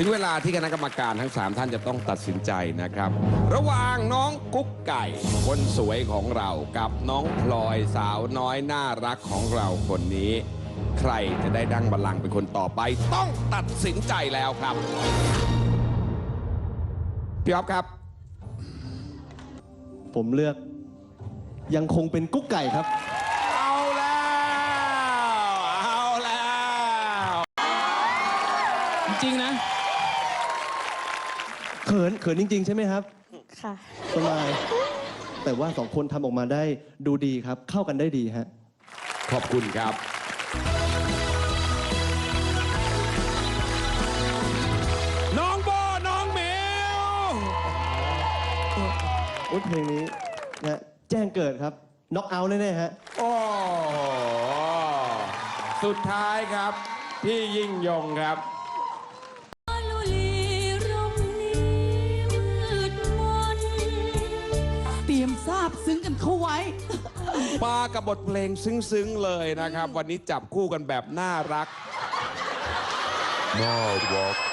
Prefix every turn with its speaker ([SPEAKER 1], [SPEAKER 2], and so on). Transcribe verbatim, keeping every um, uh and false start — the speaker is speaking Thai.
[SPEAKER 1] ถึงเวลาที่คณะกรรมการทั้งสามท่านจะต้องตัดสินใจนะครับระหว่างน้องกุ๊กไก่คนสวยของเรากับน้องพลอยสาวน้อยน่ารักของเราคนนี้ ใครจะได้ดั้งบัลลังก์เป็นคนต่อไปต้องตัดสินใจแล้วครับพี่อ๊อฟครับ
[SPEAKER 2] ผมเลือกยังคงเป็นกุ๊กไก่ครับ
[SPEAKER 1] เอาแล้วเอาแล้ว
[SPEAKER 3] จริงๆนะ
[SPEAKER 2] เขินเขินจริงๆใช่ไหมครับ
[SPEAKER 4] ค่ะ
[SPEAKER 2] สบายแต่ว่าสองคนทำออกมาได้ดูดีครับเข้ากันได้ดีฮะ
[SPEAKER 1] ขอบคุณครับน้องโบน้องเหมียว
[SPEAKER 2] โอ้ยเพลงนี้นะแจ้งเกิดครับน็อกเอาท์แน่ๆฮะ
[SPEAKER 1] โอ้สุดท้ายครับพี่ยิ่งยงครับ
[SPEAKER 3] เตรียมทราบซึ้งกันเข้าไว้
[SPEAKER 1] มากับบทเพลงซึ้งๆเลยนะครับวันนี้จับคู่กันแบบน่ารักน่ารัก